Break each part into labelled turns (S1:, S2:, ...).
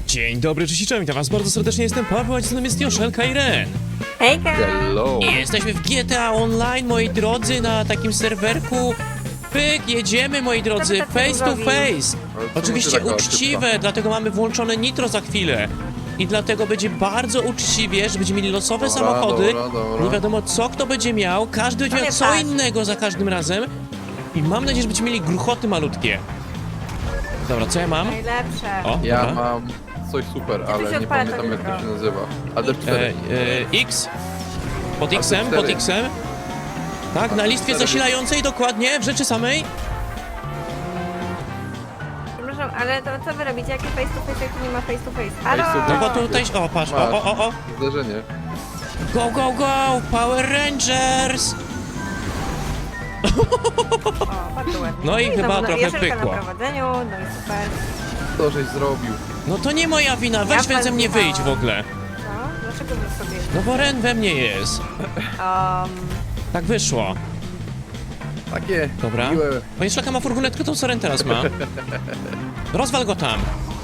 S1: Dzień dobry, cześć i cześć, witam was bardzo serdecznie, jestem Paweł, a z nami jest Joszelka i Ren.
S2: Hejka!
S3: Hello!
S1: Jesteśmy w GTA Online, moi drodzy, na takim serwerku. Pyk, jedziemy, moi drodzy,
S2: tacy
S1: face to
S2: różowi?
S1: face.
S3: Ale co
S1: Oczywiście
S3: ty taka
S1: uczciwe, dlatego mamy włączone nitro za chwilę. I dlatego będzie bardzo uczciwie, że będziemy mieli losowe
S3: Dobra,
S1: samochody.
S3: dobra.
S1: Nie wiadomo co kto będzie miał, każdy będzie miał
S2: nie
S1: co
S2: patrz.
S1: innego za każdym razem. I mam nadzieję, że będziemy mieli gruchoty malutkie. Dobra, co ja mam?
S2: Najlepsze.
S1: O,
S3: Ja
S1: dobra.
S3: mam coś super,
S2: się
S3: ale nie
S2: odpala to
S3: pamiętam jak to
S2: nitro?
S3: się nazywa. AD4.
S1: X? Pod
S3: A,
S1: X-em,
S3: to
S1: pod
S3: cztery.
S1: X-em. Tak, na listwie
S3: cztery.
S1: zasilającej dokładnie, w rzeczy samej.
S2: Przepraszam, ale to co wy robicie? Jakie face to face, jak tu nie ma face to face?
S3: Face to
S1: No
S2: Halo!
S1: bo tutaj, o patrz, o.
S3: Zderzenie.
S1: Go, go, go, Power Rangers!
S2: O, patrz ładnie.
S1: No i chyba
S2: znowu
S1: trochę
S2: Joszelka
S1: pykło.
S2: na prowadzeniu, no i super.
S3: Co żeś zrobił?
S1: No to nie moja wina, weź
S2: Ja
S1: ze mnie wyjdź w ogóle.
S2: Co? Dlaczego wy sobie...
S1: No bo Ren we mnie jest. Tak wyszło.
S3: Takie
S1: Dobra.
S3: miłe.
S1: Panie Szlaka ma furgonetkę, to co Ren teraz ma? Rozwal go tam.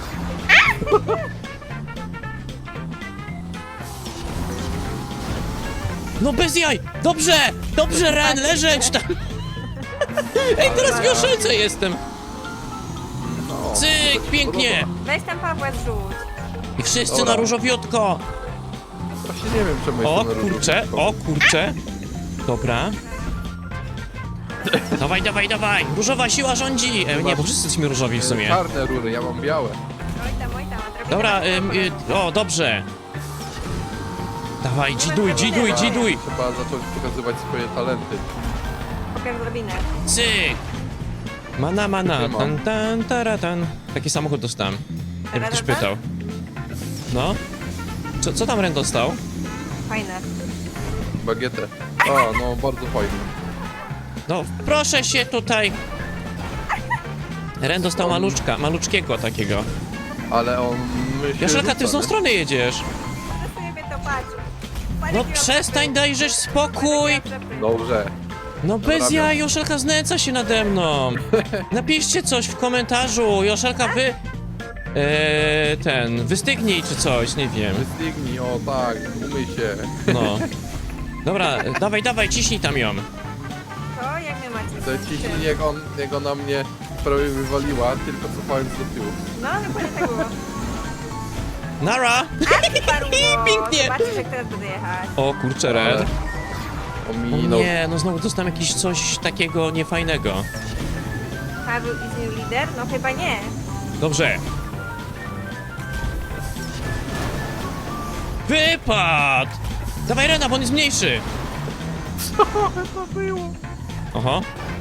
S1: No bez jaj! Dobrze! Dobrze, Ren, leżeć! Ej, teraz w Joszelce jestem!
S3: No,
S1: Cyk, pięknie!
S2: Weź tam Pawła zrzuć.
S1: I wszyscy
S3: Dobra.
S1: na różowiutko!
S3: Właśnie nie wiem czemu
S1: O
S3: jestem na
S1: kurcze,
S3: różowym.
S1: o kurcze. Dobra. Dawaj, dawaj, dawaj! Różowa siła rządzi! Nie, bo wszyscy jesteśmy różowi w sumie.
S3: Czarne rury, ja mam białe.
S2: Oj tam, odrobinę
S1: Dobra,
S2: na
S1: o, dobrze. Dawaj, dziduj, dziduj, dziduj!
S3: Trzeba zacząć pokazywać swoje talenty.
S2: Pokaż odrobinę.
S1: Cyk! Mana, mana,
S3: Nie mam.
S1: tan, tan, taratan. Taki samochód dostałem. Jakby ktoś
S2: Tararata?
S1: pytał. No? Co tam Ren dostał?
S2: Fajne.
S3: Bagietę. A, no bardzo fajnie.
S1: No, proszę się tutaj! Ren dostał maluczkiego takiego.
S3: Ale on myśli.
S1: Joszelka, ty w tą stronę jedziesz!
S2: Przesuję mnie to, patrz. Patrz,
S1: No
S2: jaki mam
S1: przestań,
S2: przepych.
S1: dajżesz spokój!
S2: Patrz, jaki mam przepych.
S3: Dobrze.
S1: No bez
S3: Naprawiam.
S1: jaj, Joszelka znęca się nade mną. Napiszcie coś w komentarzu, Joszelka wystygnij czy coś, nie wiem.
S3: Wystygnij, o tak, umyj się.
S1: No. Dobra, dawaj, dawaj, ciśnij tam ją.
S2: To jak mnie macie?
S3: Te ciśnienie jak ona mnie prawie wywaliła, tylko cofając do tyłu.
S2: No, dokładnie tak było.
S1: Nara! Pięknie.
S2: Zobaczysz, jak teraz będę jechać.
S1: O kurczę, Red.
S3: Ale
S1: O
S3: ominął.
S1: nie, no znowu dostałem jakieś coś takiego niefajnego.
S2: Paweł is new leader? No chyba nie.
S1: Dobrze. Wypad! Dawaj Rena, bo on jest mniejszy.
S3: To było.
S1: Oho.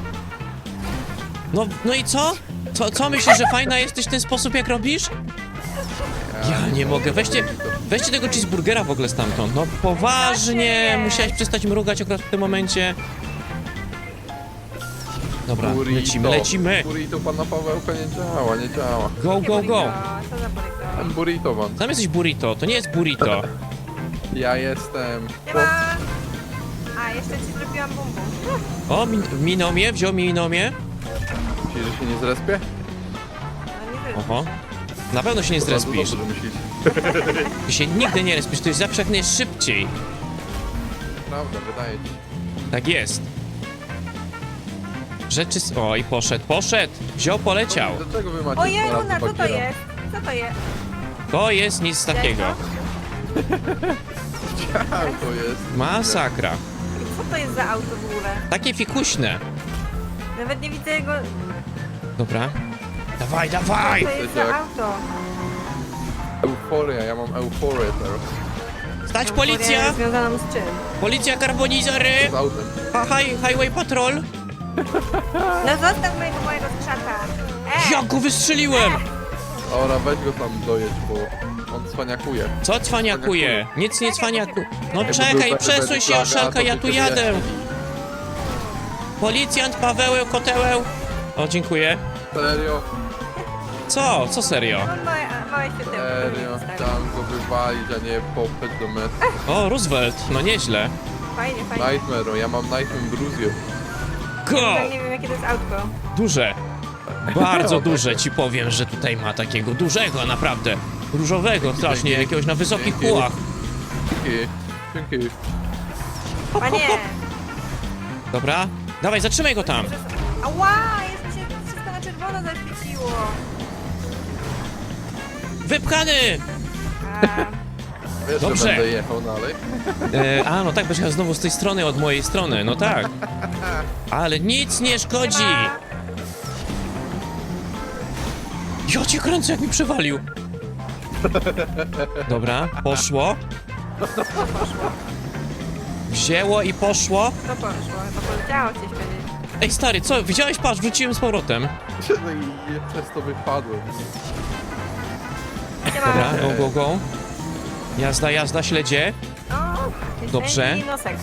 S1: No i co? Co myślisz, że fajna jesteś w ten sposób, jak robisz? Ja nie mogę. Weźcie tego cheeseburgera w ogóle stamtąd. No poważnie, musiałeś przestać mrugać akurat w tym momencie. Dobra, lecimy.
S3: Burrito pana Pawełka nie działa, nie działa.
S1: Go, go, go.
S2: Co za burrito?
S3: Ten burrito wam.
S1: Tam jesteś burrito, to nie jest burrito.
S3: Ja jestem.
S2: Nie ma. A, jeszcze ci zrobiłam bum bum.
S1: O, minął mnie, wziął mnie.
S3: Myślisz, że się nie zrespię?
S2: No nie wiem.
S1: Oho. Na pewno się nie
S3: To bardzo
S1: zrespisz.
S3: dobrze myślisz.
S1: Ty się nigdy nie respisz, to jest zawsze jak najszybciej.
S3: Prawda, wydaje ci.
S1: Tak jest. Rzeczy... Oj, poszedł. Wziął, poleciał.
S3: Dlaczego wy macie
S2: Ojej,
S3: dwa razy
S2: Luna, co to
S3: bagiera?
S2: jest? Co to jest?
S1: To jest nic takiego.
S3: Tak, to jest.
S1: Masakra.
S2: Co to jest za auto w ogóle?
S1: Takie fikuśne.
S2: Nawet nie widzę jego...
S1: Dobra. Dawaj,
S2: Co
S1: dawaj!
S2: to jest za
S3: Jak-
S2: auto?
S3: Euforia, ja mam euforię teraz.
S1: Stać policja!
S2: Związaną z czym?
S1: Policja karbonizory!
S3: Z autem.
S1: Highway patrol!
S2: No zostaw mojego skrzata.
S1: Ja go wystrzeliłem!
S3: Dobra, weź go tam dojedź, bo on cwaniakuje.
S1: Co cwaniakuje? Nic nie cwaniakuje. No
S3: Jakby
S1: czekaj,
S3: był
S1: przesuń się,
S3: flaga,
S1: Joszelka,
S3: to
S1: ja
S3: by
S1: tu
S3: cię
S1: jadę!
S3: wyjaśnili.
S1: Policjant Paweł, kotełeł. O, dziękuję.
S3: Serio?
S1: Co serio?
S2: No małe się tym.
S3: Serio? Chciałem go wywalić, a nie popchać do metry.
S1: O, Roosevelt, no nieźle.
S2: Fajnie, fajnie.
S3: Nightmare, ja mam Nightmare Bruzio.
S1: Go!
S2: Ja nie wiem, jakie to jest autko.
S1: Duże. Bardzo duże, ci powiem, że tutaj ma takiego dużego, naprawdę. różowego strasznie,
S3: dzięki.
S1: jakiegoś na wysokich
S3: Dzięki.
S1: kółach.
S3: Dzięki.
S2: Panie!
S1: Dobra, dawaj, zatrzymaj go tam.
S2: Ała! Jeszcze się wszystko na czerwono zaświeciło.
S1: Wypchany!
S2: A,
S3: Wiesz,
S1: Dobrze.
S3: że będę jechał dalej?
S1: No tak, będziesz jechał znowu z tej strony, od mojej strony, no tak. Ale nic nie szkodzi.
S2: siema.
S1: Ja cię kręcę, jak mi przewalił. Dobra, poszło. Wzięło i poszło.
S2: To poszło, to poleciało coś powiedzieć.
S1: Ej, stary, co? Widziałeś? Patrz, wróciłem z powrotem.
S3: No i przez to wypadłem.
S1: Dobra, go, go. Jazda, jazda, śledzie.
S2: O,
S1: Dobrze.
S2: I nosek.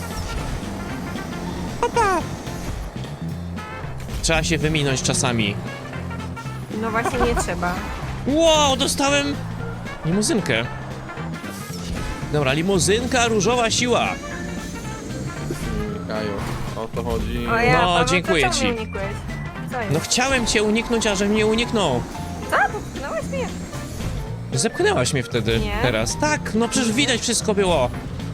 S1: Trzeba się wyminąć czasami.
S2: No właśnie nie trzeba.
S1: Wow, dostałem limuzynkę. Dobra, limuzynka, różowa siła.
S3: Kaju, o to chodzi.
S2: O ja,
S1: No,
S2: Paweł,
S1: dziękuję
S2: to czemu
S1: ci.
S2: mnie unikłeś? Co jest?
S1: No chciałem cię uniknąć, a że mnie uniknął.
S2: Co? Popchnąłeś mnie?
S1: Zepchnęłaś mnie wtedy,
S2: Nie.
S1: teraz. Tak, no przecież widać wszystko było.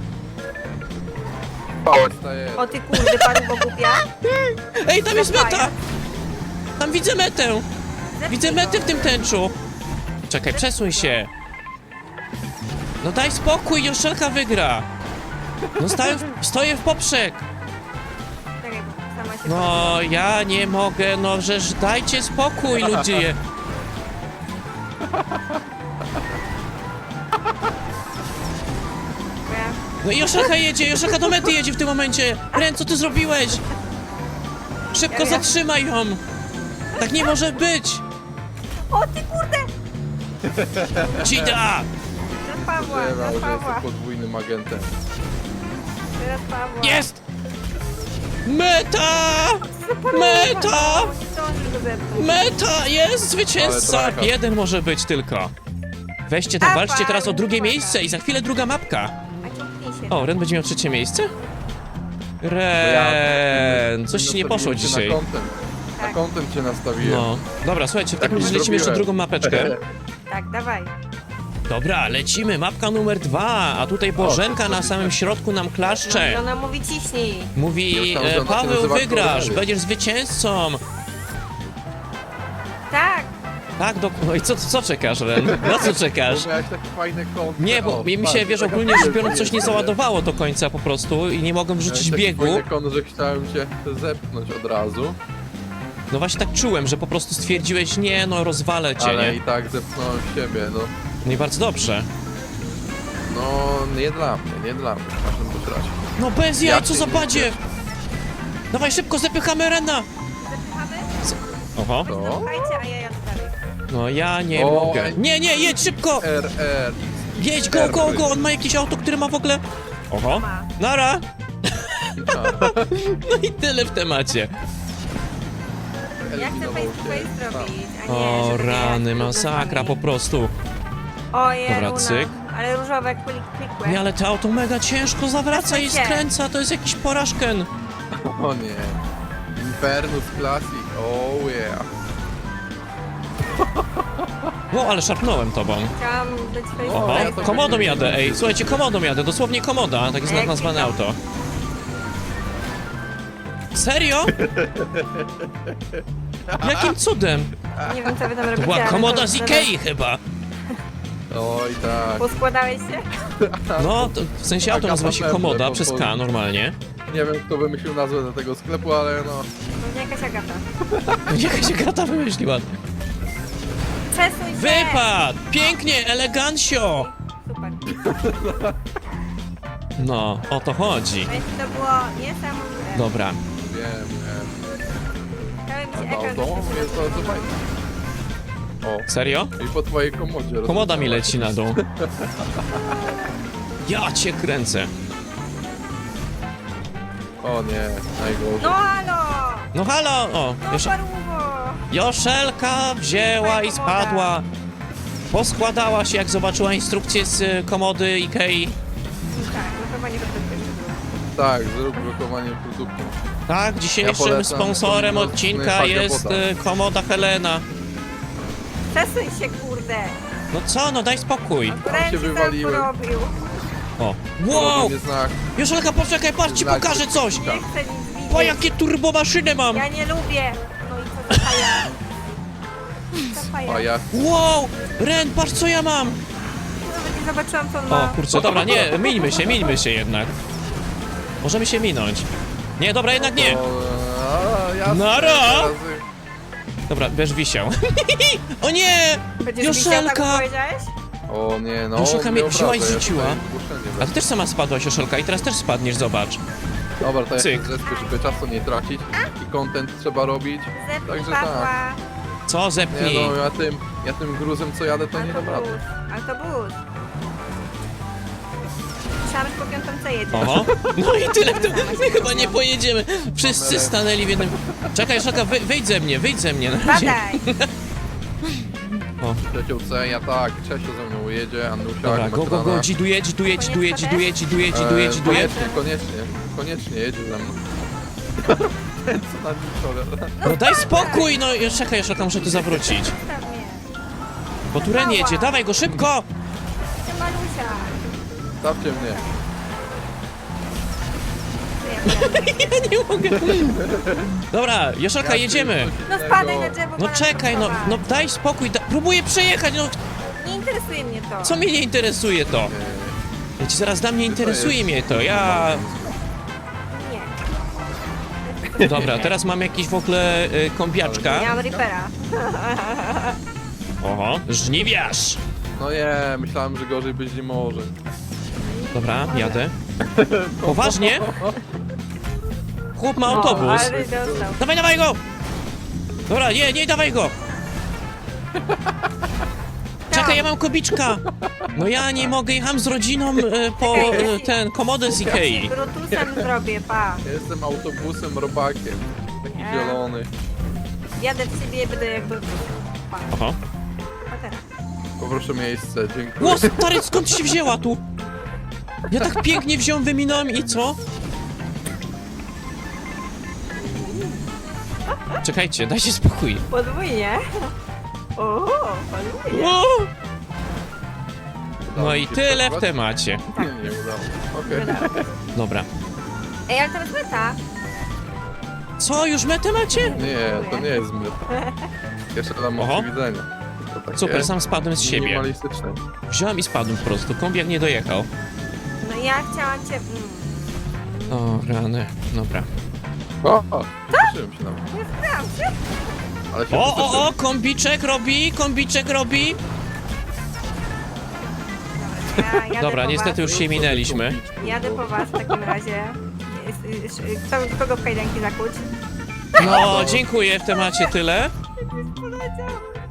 S3: Staję.
S2: O ty kurde, panu pogubia?
S1: Ej, tam jest meta! Tam widzę metę! Widzę metę w tym tęczu! Czekaj, przesuń się! No daj spokój, Joszelka wygra! No stoję w poprzek!
S2: Czekaj, sama się
S1: No, ja nie mogę, no żeż dajcie spokój, ludzie!
S2: pogubia.
S1: No i Joszelka jedzie, Joszelka do mety jedzie w tym momencie! Ren, co ty zrobiłeś? Szybko
S2: Ja-
S1: zatrzymaj ją! Tak nie może być!
S2: O ty kurde!
S1: Dzida!
S2: Teraz Pawła,
S3: Zdawał,
S2: teraz
S3: że
S2: Pawła,
S3: jestem podwójnym agentem.
S2: teraz Pawła.
S1: Jest! Meta! Meta!
S2: Nie zdążysz go zepchnąć.
S1: Meta! Jest zwycięzca!
S3: Ale traka.
S1: Jeden może być tylko. Weźcie tam, walczcie teraz o drugie miejsce i za chwilę druga mapka.
S2: A ciągnij się.
S1: O, Ren będzie miał trzecie miejsce? Ren, coś ci nie poszło
S3: Nastawiłem cię
S1: dzisiaj.
S3: Na kątem. Na
S2: Tak.
S3: kątem cię nastawiłem.
S1: No, dobra, słuchajcie, w takim
S3: Tak
S1: razie lecimy jeszcze
S3: zrobiłem.
S1: drugą mapeczkę.
S2: Tak, dawaj.
S1: Dobra, lecimy, mapka numer 2, a tutaj Bożenka na samym środku nam
S2: No,
S1: klaszcze.
S2: i ona mówi ciśnij.
S1: Mówi,
S3: Już tam, że ona się
S1: Paweł,
S3: nazywa
S1: wygrasz,
S3: Korneliusz.
S1: będziesz zwycięzcą.
S2: Tak.
S1: Tak, no i co czekasz, Ren? Na co czekasz?
S3: Bo miałeś takie fajne kąty.
S1: Nie, bo
S3: O,
S1: mi się,
S3: patrz,
S1: wiesz,
S3: taka
S1: ogólnie rzecz biorąc, coś nie
S3: jest.
S1: załadowało do końca po prostu i nie mogłem
S3: Miałeś
S1: wrzucić
S3: taki
S1: biegu.
S3: fajny kąt, że chciałem cię zepchnąć od razu,
S1: No właśnie tak czułem, że po prostu stwierdziłeś, nie, no rozwalę cię,
S3: ale
S1: nie?
S3: i tak zepchnąłem siebie, no.
S1: No i bardzo dobrze.
S3: No, nie dla mnie, nie dla mnie, w każdym bądź razie.
S1: No bez jaj,
S3: Ja
S1: co
S3: cię
S1: za
S3: nie
S1: badzie!
S3: cieszę.
S1: Dawaj szybko, zepychamy Rena!
S2: Zepchamy?
S1: Oho.
S3: To?
S2: Słuchajcie, a ja jadę dalej.
S1: No ja nie
S3: O,
S1: mogę.
S3: ej.
S1: Nie, nie, jedź szybko!
S3: RR.
S1: Jedź, go, go, go! On ma jakieś auto, które ma w ogóle... Oho.
S2: Ma.
S1: Nara! No i tyle w temacie.
S2: Ja chcę face to face zrobić, a nie,
S1: O
S2: żeby
S1: rany,
S2: jechać
S1: masakra po
S2: różami.
S1: prostu.
S2: Ojej,
S1: Dobra,
S2: Luna.
S1: cyk.
S2: Ale różowe klikłe.
S1: Nie, ale to auto mega ciężko zawraca i
S2: Przesuń się.
S1: skręca, to jest jakiś porażken.
S3: O nie. Infernus Classic, oh yeah.
S1: Wow, ale szarpnąłem tobą.
S2: Chciałam być face
S1: Oho,
S2: to
S3: ja
S2: face.
S3: to
S1: komodą jadę, ej, słuchajcie, komodą jadę, dosłownie komoda, tak jest
S2: Jak
S1: nazwane
S2: to?
S1: auto. Serio? Jakim cudem?
S2: Nie wiem, co wy tam robicie,
S1: To była
S2: ale
S1: komoda
S2: to
S1: z
S2: zaraz-
S1: Ikei chyba.
S3: Oj tak.
S2: Poskładałeś się?
S1: No, to, w sensie auto
S3: Taka
S1: nazywa się
S3: pewne,
S1: komoda
S3: bo-
S1: przez
S3: bo-
S1: K normalnie.
S3: Nie wiem kto wymyślił nazwę do tego sklepu, ale no.
S2: Pewnie jakaś Agata.
S1: Jakaś Agata wymyśliła.
S2: Przesuń się!
S1: Wypad! Pięknie, elegancio!
S2: Super.
S1: No, o to chodzi.
S2: Więc to było niesamowite.
S1: Dobra.
S3: Wiem,
S2: Cały mi się
S3: A
S2: ekran
S3: to
S2: zaświecił.
S3: jest bardzo fajne. O,
S1: Serio?
S3: i po twojej komodzie.
S1: Komoda mi
S3: rozwiązałeś.
S1: leci na dół. Ja cię kręcę.
S3: O nie, najgorzej.
S2: No halo!
S1: No halo! O,
S2: No paruwo!
S1: Joszelka wzięła i spadła. Poskładała się, jak zobaczyła instrukcję z komody Ikei.
S2: Tak, no chyba nie będę pierwszy.
S3: Tak, zrób blokowanie produktu.
S1: Tak, dzisiejszym
S3: polecam
S1: sponsorem
S3: to
S1: odcinka
S3: Hagia
S1: jest
S3: Bota.
S1: komoda Helena.
S2: Przesuń się, kurde!
S1: No co, no daj spokój.
S2: Ręce
S3: się
S2: sam
S3: wywaliłem.
S2: porobił.
S1: O, wow!
S3: Nie znak.
S1: Joszelka, poczekaj, patrz, ci pokażę coś!
S2: Nie chcę nic widzieć.
S1: Po jakie turbomaszynę mam!
S2: Ja nie lubię. No i co za faja? Co faja?
S3: A ja...
S1: Wow! Ren, patrz co ja mam!
S2: Nawet nie zobaczyłam, co on
S1: O,
S2: ma.
S1: kurczę, dobra, nie, mińmy się jednak. Możemy się minąć. Nie, dobra, jednak nie.
S3: Jasne,
S1: Nara!
S3: teraz-
S1: Dobra, będziesz wisiał. O nie!
S2: Będziesz wisiał, tak
S1: Joszelka!
S2: powiedziałeś?
S3: O nie, no.
S1: Joszelka mnie
S3: mnie
S1: wzięła i
S3: obraża, ja
S1: zrzuciła.
S3: tutaj zgłoszenie
S1: A
S3: wezmę.
S1: ty też sama spadłaś, Joszelka, i teraz też spadniesz, zobacz.
S3: Dobra, to ja
S1: Cyk.
S3: się zrespię, żeby czasu nie tracić. I content trzeba robić.
S2: Zepnij
S3: Także
S2: Pawła.
S3: tak.
S1: Co,
S3: Nie
S1: zepnij.
S3: no, ja tym gruzem co jadę to nie dam rady.
S2: Autobus. Myślałam, że po piątą C jedzie.
S1: Oho. No i tyle w tym. My chyba nie pojedziemy. Wszyscy stanęli w jednym... Czekaj, Joszelka, wyjdź ze mnie na razie.
S2: Badaj.
S1: O,
S3: Trzecią C, ja tak, Czesio ze mną jedzie, Anusia,
S1: dobra, go, dziduje.
S3: Koniecznie jedzie ze mną. Ten co na nim
S1: No daj spokój, no czekaj, Joszelka, muszę tu zawrócić.
S2: Zostaw mnie.
S1: Bo tu Ren jedzie, dawaj go szybko!
S2: Ty Malusia.
S3: Stawcie mnie.
S1: Ja nie mogę. Dobra, Joszelka, jedziemy.
S2: No spadaj na drzewo.
S1: No
S2: bo nas
S1: czekaj, no
S2: pochowa.
S1: daj spokój, próbuję przejechać, no
S2: Nie interesuje mnie to.
S1: co mnie nie interesuje to? Ja ci zaraz dam, nie interesuje mnie to, ja...
S2: Nie.
S1: Dobra, teraz mam jakiś w ogóle kombiaczka.
S2: Miałam Reapera.
S1: Oho, żniwiarz!
S3: No nie, myślałem, że gorzej być nie może.
S1: Dobra, jadę. Poważnie? Chłop ma autobus.
S2: Ale dostał.
S1: Dawaj go! Dobra, nie, dawaj go! Czekaj, ja mam kobiczka! No ja nie mogę, jechałem z rodziną po ten komodę z Ikei.
S2: Brutusem zrobię, pa.
S3: Ja jestem autobusem, robakiem. Taki zielony.
S2: Jadę w siebie i będę jak Brutus. Pa.
S1: Oho.
S2: Pa teraz.
S3: Poproszę miejsce, dziękuję.
S1: Ło, stary, skąd się wzięła tu? Ja tak pięknie wziąłem, wyminąłem i co? Czekajcie, dajcie spokój.
S2: Podwójnie. O, podwójnie.
S1: O!
S3: Udało
S1: No
S3: mi
S1: i
S3: się
S1: tyle w
S3: przekonać?
S1: temacie.
S3: Nie udało. Okej.
S1: Dobra.
S2: Ej, ale to jest meta.
S1: Co, już metę macie?
S3: Nie, to nie jest meta. Jeszcze dam
S1: Oho.
S3: widzenia. To takie
S1: Super, sam spadłem z siebie.
S3: minimalistyczne.
S1: Wziąłem i spadłem po prostu, kombiak nie dojechał.
S2: No ja chciałam cię...
S1: O, rany. Dobra.
S3: O, cieszyłem się nawet.
S2: Nie znam się.
S3: Ale się
S1: O, kombiczek robi.
S2: Ja jadę
S1: Dobra,
S2: po
S1: niestety
S2: was.
S1: już się minęliśmy.
S2: Jadę po was w takim razie. Kogo w kajdanki zakuć?
S1: No, dziękuję, w temacie tyle.
S2: Poleciał.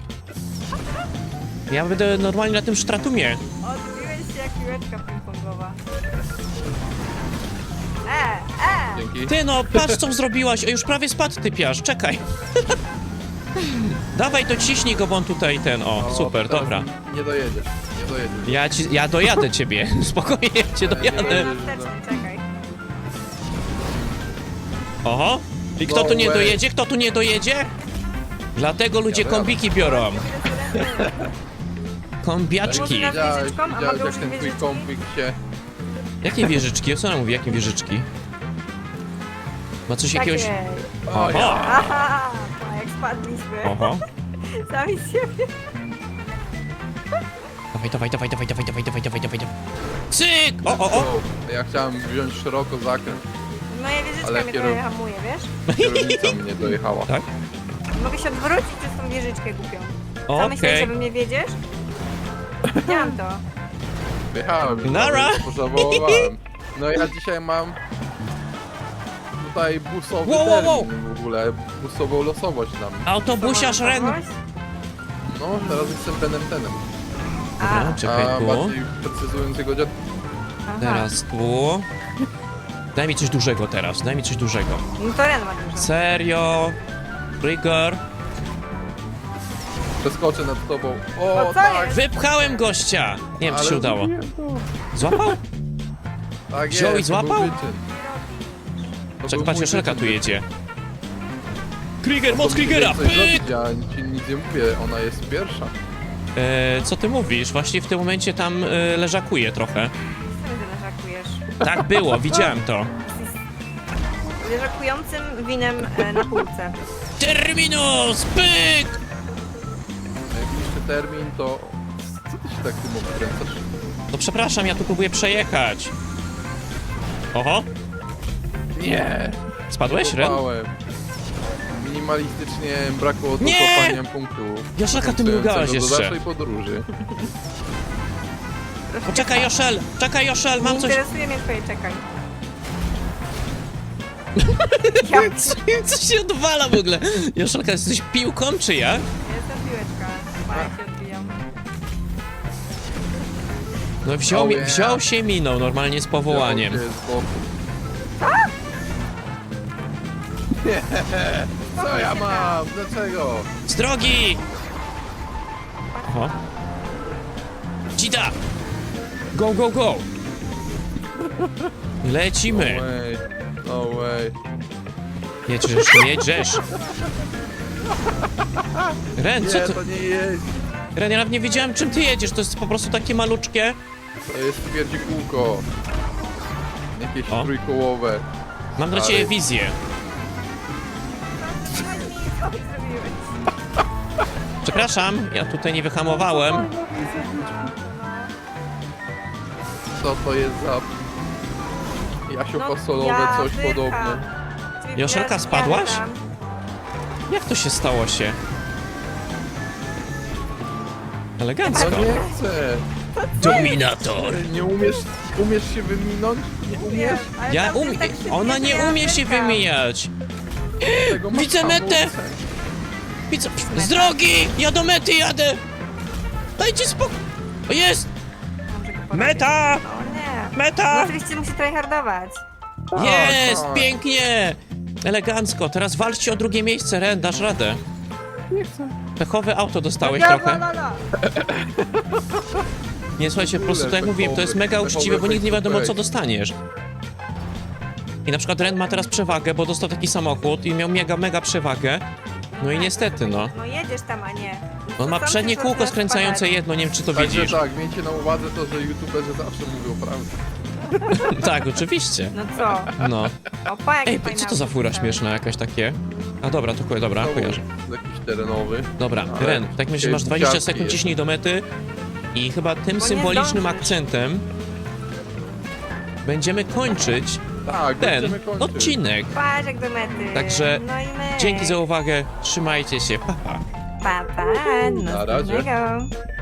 S1: Ja będę normalnie na tym sztratumie.
S2: Odbiłeś się jak piłeczka ping-pongowa.
S3: Dzięki.
S1: Ty no, patrz co zrobiłaś, o już prawie spadł typiarz, czekaj. Dawaj to ciśnij go, bo on tutaj ten, o, super,
S3: teraz
S1: dobra.
S3: Nie dojedziesz.
S1: Ja dojadę ciebie, spokojnie, ja cię dojadę.
S2: Na wsteczny, czekaj.
S1: Oho, i kto tu nie dojedzie, kto tu nie dojedzie? Dlatego ludzie kombiki biorą. Kombiaczki.
S3: Widziałeś,
S2: wieżyczką, a
S3: widziałeś
S2: mogę
S3: jak ten
S2: użyć
S3: twój
S2: wieżyczki?
S3: kompik się...
S1: Jakie wieżyczki? O co ona mówi, jakie wieżyczki? Ma coś jakiegoś...
S2: Takiej.
S3: O, ja.
S1: Oho,
S2: Aha, to jak spadliśmy.
S1: oho.
S2: Sami z siebie.
S1: Dawaj. Cyk! O.
S3: Ja chciałem wziąć szeroko zakręt.
S2: Moja wieżyczka
S3: Ale
S2: mnie
S3: kierow-
S2: trochę hamuje, wiesz?
S3: Kierownica mnie dojechała.
S1: Tak?
S2: Mogę się odwrócić przez tą wieżyczkę głupią. Co
S1: Okej.
S2: myślisz, że wy mnie wiedziesz? Widziałam to.
S3: Wjechałem.
S1: Nara.
S3: Pożałowałem. No ja dzisiaj mam... Tutaj busowy
S1: Wow.
S3: termin w ogóle. Busową losowość na mnie.
S1: Autobusiarz Ren.
S3: No, teraz jestem Benem Tenem.
S1: Dobra, czekaj
S3: A
S1: tu.
S3: bardziej precyzując jego dziad...
S1: Teraz tu. Daj mi coś dużego teraz, daj mi coś dużego.
S2: No to Ren ma dużo.
S1: Serio? Trigger?
S3: Przeskoczę nad tobą.
S2: O,
S3: O,
S2: co
S3: tak!
S2: jest?
S1: Wypchałem gościa! Nie wiem, czy
S3: ale
S1: się udało.
S3: zrobiłem to.
S1: Złapał?
S3: Tak
S1: Wziął
S3: jest,
S1: i złapał?
S3: to był wyczyn. To
S1: Czekaj,
S3: był
S1: patrz,
S3: mój
S1: Joszelka tu
S3: wyczyn.
S1: jedzie. Krieger,
S3: To
S1: moc
S3: musi
S1: Kriegera!
S3: coś
S1: Pyk!
S3: zrobić, Ja ci nic nie mówię, ona jest pierwsza.
S1: Co ty mówisz? Właśnie w tym momencie tam leżakuje trochę.
S2: Co ty leżakujesz?
S1: Tak było, widziałem to.
S2: Leżakującym winem na półce.
S1: Terminus! Pyk!
S3: A jak jeszcze termin, to... Co ty się tak tym obkręcasz?
S1: No przepraszam, ja tu próbuję przejechać. Oho,
S3: Nie!
S1: spadłeś, Ren?
S3: Kopałem. Minimalistycznie brakło do
S1: Nie!
S3: kopania punktów.
S1: Joszelka, ty mrugałeś
S3: do
S1: jeszcze.
S3: dalszej podróży.
S1: Poczekaj, Joszel! Czekaj, Joszel, mam
S2: Nie
S1: coś...
S2: interesuje mnie twoje czekaj. Ja
S1: Co się odwala w ogóle? Joszelka, jesteś piłką, czy ja?
S2: jestem piłeczka. Chyba jak się odbijam.
S1: No wziął się minął normalnie z powołaniem.
S3: Ja z boku. Nie! Co ja mam? Dlaczego?
S1: Z drogi! Oho. Dzida! Go, go, go!
S3: No
S1: Lecimy!
S3: way. No way.
S1: Jedziesz, jedziesz! Ren,
S3: Nie,
S1: co ty...
S3: to nie jest.
S1: Ren, ja nawet nie wiedziałem, czym ty jedziesz, to jest po prostu takie maluczkie.
S3: To jest twierdzi kółko. Jakieś
S1: O.
S3: trójkołowe.
S1: Mam dla
S3: Ale-
S1: ciebie wizję.
S2: Co ty zrobiłeś?
S1: Przepraszam, ja tutaj nie wyhamowałem.
S3: Co to jest za... Jasio-fasolowe, coś
S2: wycham.
S3: podobne.
S2: Czyli
S1: Joszelka,
S2: ja
S1: spadłaś?
S2: tam.
S1: Jak to się stało się?
S3: No
S1: Elegancko.
S3: nie chcę.
S1: Dominator.
S3: Nie umiesz się wyminąć? Nie umiesz?
S2: Ale
S1: Ja
S2: tam jest tak szybkie,
S1: Ona nie
S2: że ja
S1: umie się
S2: wycham.
S1: wymijać.
S3: Tego masz
S1: Widzę metę.
S3: hamulce.
S1: Widzę... Z drogi! Ja do mety jadę! Dajcie spokój! O, jest!
S2: Dobrze go porobię.
S1: Meta!
S2: O nie. No
S1: Meta!
S2: oczywiście musi tryhardować.
S1: Jest!
S3: tak.
S1: Pięknie! Elegancko. Teraz walczcie o drugie miejsce, Ren, dasz radę.
S3: Nie chcę.
S1: Pechowe auto dostałeś
S2: Ja,
S1: trochę.
S2: la, la, la.
S1: Nie, słuchajcie, po prostu tak jak mówiłem, to jest mega
S3: Pechowy
S1: uczciwe, bo nigdy nie wiadomo, co
S3: face to
S1: dostaniesz. I na przykład Ren ma teraz przewagę, bo dostał taki samochód i miał mega przewagę. No i niestety, no.
S2: No jedziesz tam, a nie.
S1: On ma
S2: Sam
S1: przednie
S2: się
S1: kółko
S2: zaczynasz
S1: skręcające
S2: spadać.
S1: jedno, nie wiem, czy to
S3: Także
S1: widzisz.
S3: tak, miejcie na uwadze to, że youtuberzy zawsze mówią prawdę.
S1: Tak, oczywiście.
S2: No co?
S1: No.
S2: Opa, jakie
S1: Ej,
S2: fajne
S1: co to za
S2: auto
S1: fura
S2: dostałeś.
S1: śmieszna jakaś takie? A dobra, to dobra,
S3: Znowu
S1: kojarzę.
S3: jakiś terenowy.
S1: Dobra,
S3: Ale
S1: Ren, tak myślę, że masz 20 sekund, ciśnij do mety i chyba tym
S2: nie
S1: symbolicznym
S2: zdążysz.
S1: akcentem będziemy kończyć
S3: Tak,
S1: ten
S3: będziemy kończyć.
S1: odcinek.
S2: Patrz jak do mety.
S1: Także
S2: no i my.
S1: Dzięki za uwagę, trzymajcie się, pa pa.
S2: Pa, pa,
S3: Na razie.
S2: następnego.